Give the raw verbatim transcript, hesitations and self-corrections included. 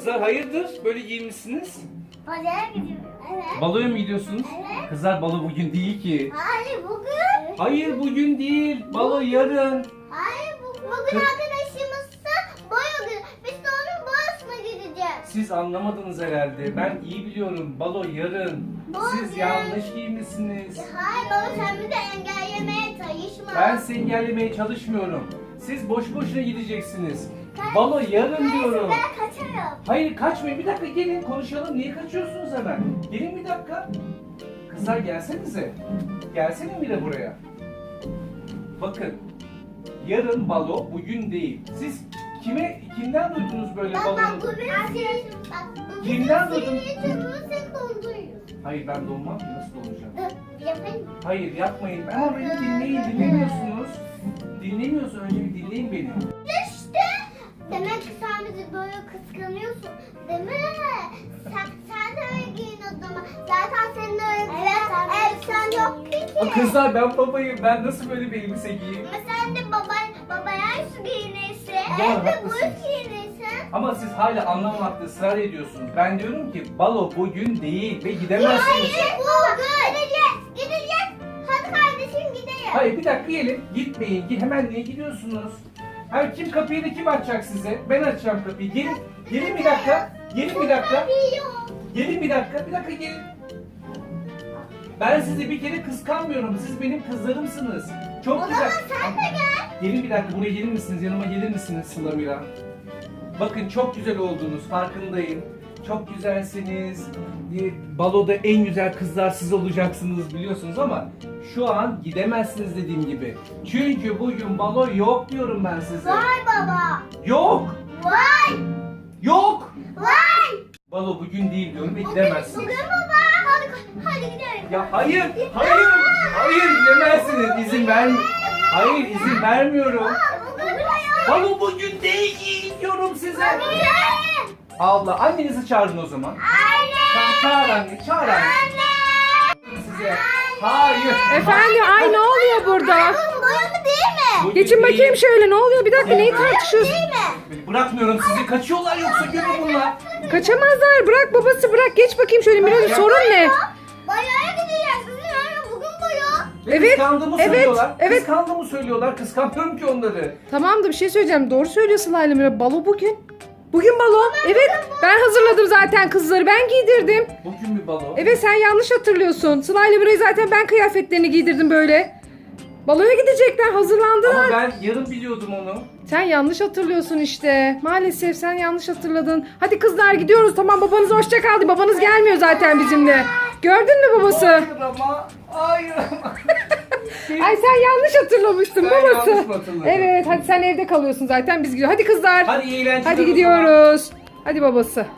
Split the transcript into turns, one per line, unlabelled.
Kızlar hayırdır? Böyle giyinmişsiniz.
Baloya gidiyorum. Evet.
Baloya mı gidiyorsunuz?
Evet.
Kızlar balo bugün değil ki.
Hayır bugün.
Hayır bugün değil. Balo yarın.
Hayır bugün. Bugün arkadaşımızsa boya günü. Biz de onun boyasına gideceğiz.
Siz anlamadınız herhalde. Ben iyi biliyorum. Balo yarın. Siz
Bugün.
yanlış giymişsiniz.
Hayır baba sen bizi engellemeye çalışma.
Ben sizi engellemeye çalışmıyorum. Siz boş boşuna gideceksiniz. Balo yarın diyorum.
Ben kaçarım.
Hayır kaçmayın. Bir dakika gelin konuşalım. Niye kaçıyorsunuz hemen? Gelin bir dakika. Kızlar gelsenize. Gelsene Mira buraya. Bakın. Yarın balo bugün değil. Siz kime kimden duydunuz böyle
Bak bak
balonu?
bu benim arkadaşım. Bak bu
Kimden
bizim
duydun?
sihirli çubuğu sen donduruyorsun.
Hayır ben donmam ki nasıl donacağım?
Dur yapayım mı?
Hayır yapmayın. Ama beni dinleyin. Dinlemiyorsunuz. Dinlemiyorsun. Önce bir dinleyin beni.
İşte. Demek ki sen bizi böyle kıskanıyorsun. Değil mi? Sen, sen de öyle giyin o zaman. Zaten senin öyle evet, elbisen yok ki.
Aa, kızlar ben babayım. Ben nasıl böyle bir elbise giyeyim?
Ama sen de baba, babaya su giyinirsin.
Doğru,
Evde
haklısın.
boyut giyinirsin.
Ama siz hala anlamamakta ısrar ediyorsunuz. Ben diyorum ki balo bugün değil ve gidemezsiniz.
Hayır bugün. Gideceğiz. Gideceğiz. Hadi kardeşim gidelim.
Hayır bir dakika gelin. Gitmeyin. Gi- Hemen niye gidiyorsunuz? Hayır kim kapıyı da kim açacak size? Ben açacağım kapıyı. Gelin. Gelin bir dakika. Gelin bir dakika. Gelin bir dakika. Bir dakika gelin. Ben sizi bir kere kıskanmıyorum. Siz benim kızlarımsınız. Çok
O
güzel.
zaman sen de gel.
Gelin bir dakika buraya gelir misiniz? Yanıma gelir misiniz Sıla Mira? Bakın çok güzel oldunuz farkındayım. Çok güzelsiniz. Ee, Baloda en güzel kızlar siz olacaksınız biliyorsunuz ama şu an gidemezsiniz dediğim gibi. Çünkü bugün balo yok diyorum ben size.
Vay baba.
Yok!
Vay.
Yok!
Vay.
Balo bugün değil diyorum ve
Bugün,
gidemezsiniz.
bugün baba. Hadi, hadi gidelim.
Ya hayır! Hayır! Hayır gidemezsiniz. İzin ver. Hayır izin vermiyorum.
Bugün bayağı.
Balo bugün değil diyorum size.
Bugün.
Abla annenizi çağırın o zaman.
Anne.
Çağır, çağır anne, çağır anne. Size. Hayır.
Efendim ay ne oluyor burada?
Bu boyalı değil mi?
Bugün
Geçin
değil.
bakayım şöyle ne oluyor? Bir dakika neyi
Boyalı
tartışıyorsun?
değil mi?
Bırakmıyorum sizi. Kaçıyorlar yoksa görün bunlar.
Kaçamazlar. Bırak babası bırak. Geç bakayım şöyle Miracığım sorun ne?
Bayağı gideceğiz. Sizin öyle bugün boya.
Ve
Evet,
Kıskandığımı
evet,
söylüyorlar.
evet.
Kıskandığımı söylüyorlar. Kıskanmıyorum ki onları.
Tamam da bir şey söyleyeceğim. Doğru söylüyor Sıla'yla Mira. Balo bugün. Bugün balo. Evet ben hazırladım zaten kızları. Ben giydirdim.
Bugün bir balo.
Evet sen yanlış hatırlıyorsun. Sıla'yla Mira'yı zaten ben kıyafetlerini giydirdim böyle. Baloya gidecekler hazırlandılar.
Ama ben yarın biliyordum onu.
Sen yanlış hatırlıyorsun işte. Maalesef sen yanlış hatırladın. Hadi kızlar gidiyoruz. Tamam babanız hoşça kaldı. Babanız gelmiyor zaten bizimle. Gördün mü babası?
Hayır ama. Hayır ama.
Ay sen yanlış hatırlamıştın
Ben
babası.
yanlış mı hatırladım?
Evet hadi sen evde kalıyorsun zaten biz gidiyoruz. Hadi kızlar.
Hadi iyi eğlenceler
Hadi
o zaman.
gidiyoruz. Hadi babası.